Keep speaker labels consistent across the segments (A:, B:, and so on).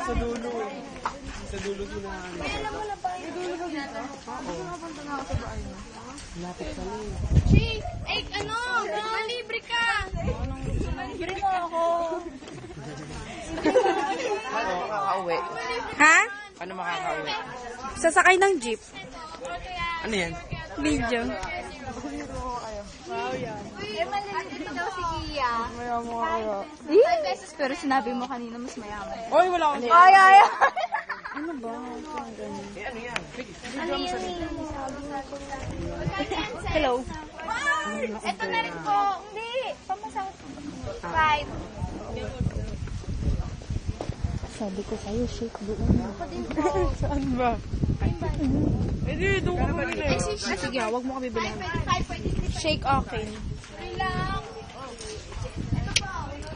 A: Sa dulo. Sa dulo ko na.
B: May alam mo na ba yung dulo ko dito?
A: Oo.
B: Nakapunta na ako sa bahay mo.
A: Lapit ka lang.
B: Chick! Eh, ano? Malibre ka! Malibre mo ako.
A: Paano makakauwi?
C: Ha?
A: Paano makakauwi?
C: Sasakay ng jeep.
A: Ano yan?
C: Video.
B: Eh, malilibre daw si Kia.
A: Mayaman kaya.
B: 5 pesos pero sinabi mo kanina mas mayaman.
A: Oy, wala akong
B: Ay!
C: Ano ba?
A: ano yan?
B: Ano yun?
C: Hello.
B: Wow! Ito na rin po. Hindi. Pamasang 5.
C: Sabi ko sa'yo, shake doon.
B: Ako din po.
A: Saan ba? Hindi, doon ka bumili.
C: Sige, huwag mo kami bilhin.
B: 5 pwede.
C: Shake okay.
B: Free lang. Ito po.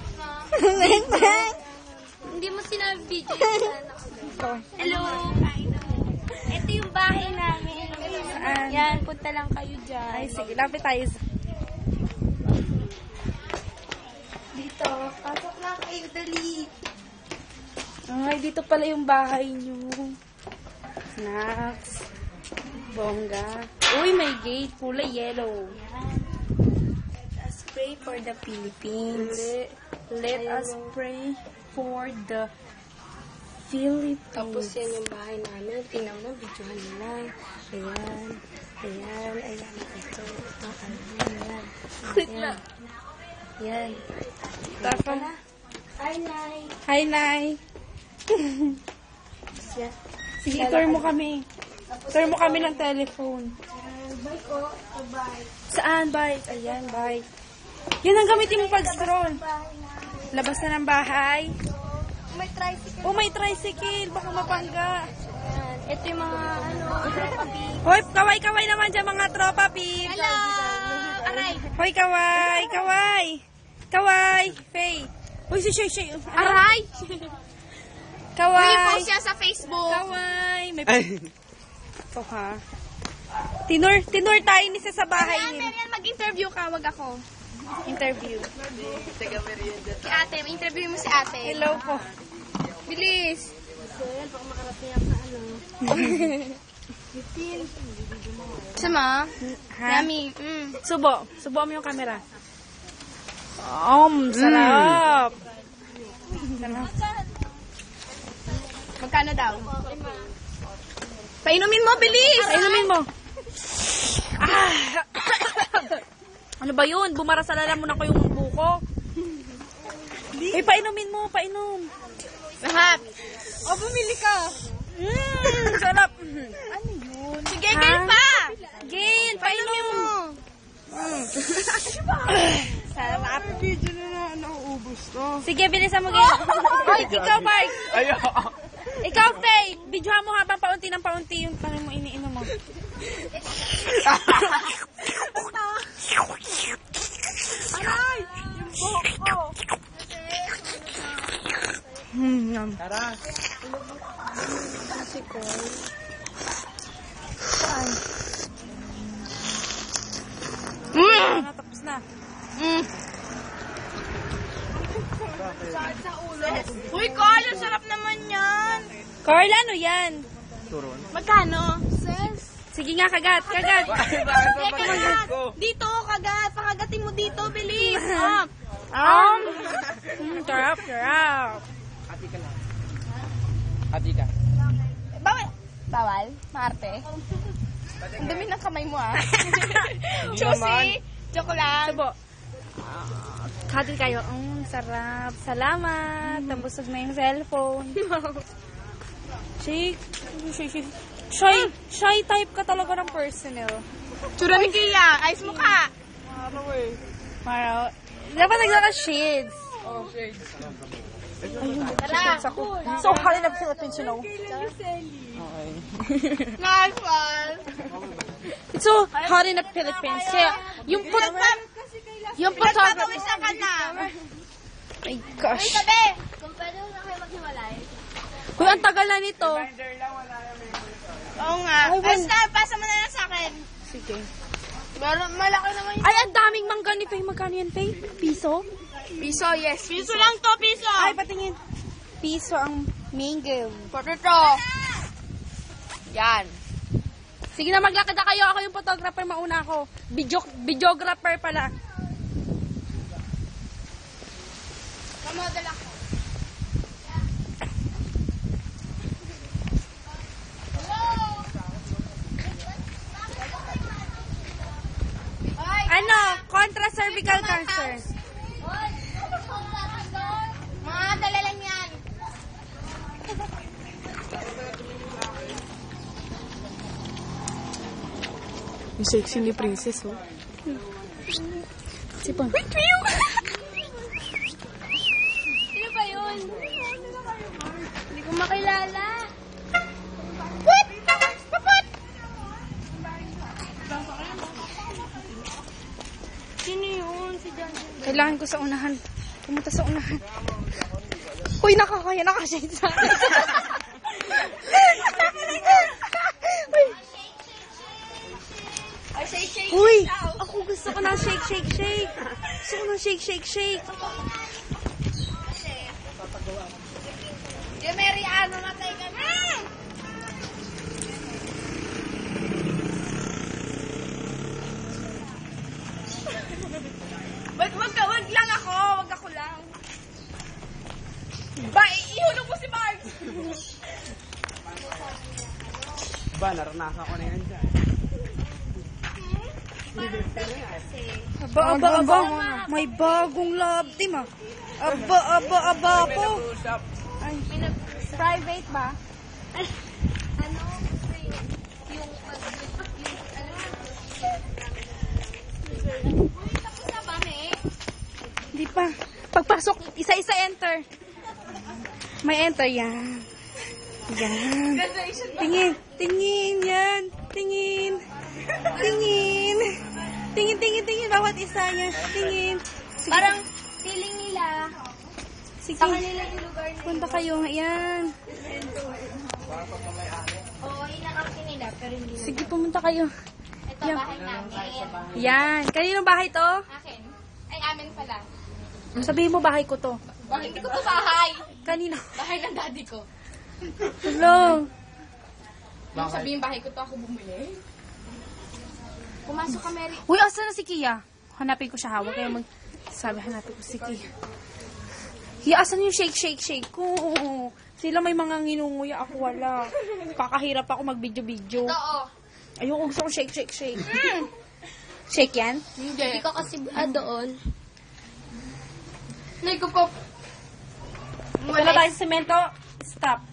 B: Hindi mo sinabi video. Hello. Ito yung bahay namin.
C: Saan?
B: Yan, punta lang kayo dyan.
C: Ay, sige, lapit tayo.
B: Dito. Pasok lang kayo, dali.
C: Ay, dito pala yung bahay nyo. Snacks. Bongga. Uy, may gate. Kulay yellow. Let us pray for the Philippines. Let us pray for the Philippines.
B: Tapos yan yung bahay namin. Tingnan mo, videohan nila. Ayan. Ayan. Ayan. Ito. Ayan. Ayan. Ayan.
C: Tapos,
B: Hi, Nay.
C: hi, Nay. Sige, tour mo kami. Tour mo kami ng telephone.
B: Bye ko. Bye.
C: Saan, bike? Ayan, bike. Yan ang gamitin mo pag-scroll.
B: Bahay na.
C: Labas na ng bahay.
B: May tricycle.
C: Oh, may tricycle. Baka mapangga.
B: Ayan. Ito yung mga, papi.
C: Hoy, kaway-kaway naman dyan mga tropa, Pip.
B: Hello! Aray!
C: Hoy, kaway, kaway. Kaway, Faye. Uy, si Shay, Shay.
B: Aray!
C: Kaway.
B: Uy, post siya sa Facebook.
C: Kaway. May
A: Ay.
C: ito, ha. Tinur tayo ni sa bahay niyo.
B: Marian, mag-interview ka, wag ako.
C: Interview.
B: Si ate, interview mo si ate.
C: Hello po.
B: Bilis. Sama?
C: Ha?
B: Yummy.
C: Subo. Subo mo yung camera. Sarap. Sarap.
B: Magkano daw? Painumin mo, bilis!
C: Painumin mo. Ah. Ano ba yun? Bumara sa lalamunan ko yung buko. Eh, painumin mo. Painom.
B: Lahat. O, bumili ka.
C: Sarap.
B: Ano yun? Sige,
C: Ha?
B: girl pa!
C: Gail, painom mo.
B: Sarap.
A: Video na nauubos to.
C: Sige, bilisan mo, Gail. Hoy, ikaw, Mark.
A: Ayo.
C: Ikaw, Faye. Videohan mo habang paunti ng paunti yung tanong mo iniinom mo.
B: Aray! Yung buhok ko.
C: Yum.
A: Tara.
C: Tapos na.
B: Uy, Carl, ang sarap naman yan.
C: Carl, ano yan?
A: Turon.
B: Magkano? Sis.
C: Sige nga, kagat. Kagat.
A: Bakit
B: Kagat.
A: ko?
B: Dito, kagat. Pakagatin mo dito, bilis.
C: Sarap, sarap.
A: Hati ka lang. Hati ka.
B: Bawal? Bawal? Marte? Ang dumi ng kamay mo, ah.
A: naman.
B: Chusi. Joke lang.
C: Subo. Katil kayo. Sarap. Salamat. Nabusog na yung cellphone. Shake. Shy type ka talaga ng personnel.
B: Tsura ni Kia. Ayos mo ka.
A: Ano eh?
C: Mara. Dapat nagkaka-shades.
A: Oh, shades.
B: Tara.
C: So, hali na Philippines, you know.
A: Okay.
B: Nice one.
C: It's so hot in the Philippines. Kaya, yung photography.
B: Pagpapawisan ka na.
C: My gosh.
B: Uy, tabi. Kung pwede na kayo maghiwalay.
C: Uy, ang tagal na nito.
B: Oo nga. Basta, pasa mo na lang sa akin.
C: Sige.
B: Malaki naman yun.
C: Ay, ang daming mangga ni Faye. Magkano yan, Faye? Piso?
B: Piso, yes. Piso lang to, piso.
C: Ay, patingin. Piso ang Mingle.
A: Potato. Yan.
C: Sige na, maglakad na kayo. Ako yung photographer, mauna ako. Videographer pala.
A: Kamodel ako.
C: Ano? Contra cervical cancer.
A: Mga dala lang yan.
B: Yung sexy ni Princess, oh.
C: Si Pon.
A: Sino ba yun? Hindi ko makilala. Sino yun? Si John.
C: Kailangan ko sa unahan. Pumunta sa unahan. Uy, nakakaya. Nakashade sa akin.
A: Ay, shake.
C: Uy, ako gusto ko ng shake, shake, shake. Gusto ko ng shake, shake, shake.
A: Yung Mary Ann, mamatay ka na. Wag lang ako. Wag ako lang. Ba, ihulog mo si Mark.
B: Ba, naranasan ko na yan dyan.
C: Aba. May bagong love team, ah. Aba po. Ay, private ba?
A: Ano? Yung Uy, tapos na ba, me?
C: Hindi pa. Pagpasok, isa-isa enter. May enter, yan. Yan. Tingin, yan. Tingin. Bawat isa yan. Tingin. Sige.
A: Parang feeling nila
C: Sige.
A: sa kanila yung lugar nila.
C: Punta kayo. Yan.
A: Oo, inakampi nila, pero hindi nila.
C: Sige, pumunta kayo.
A: Ito,
C: Yan.
A: bahay namin.
C: Yan. Kaninong bahay to?
A: Akin. Ay, amin pala.
C: Sabihin mo, bahay ko to.
A: Hindi ko to bahay.
C: Kanino?
A: Bahay ng daddy ko.
C: Hello.
A: Yung sabihin bahay ko to, ako bumili. Pumasok ka, Mary.
C: Uy, asa na si Kia? Hanapin ko siya, hawak kaya hanapin ko si Kia. Kia, asan yung shake, shake, shake ko? Sila may mga nginunguya, ako wala. Kakahirap ako mag-video-video.
A: Oo.
C: Ayoko, gusto ko shake, shake, shake. Shake yan?
A: Hindi.
B: Ikaw kasi doon.
A: Hindi ko po.
C: Wala tayo sa semento. Stop.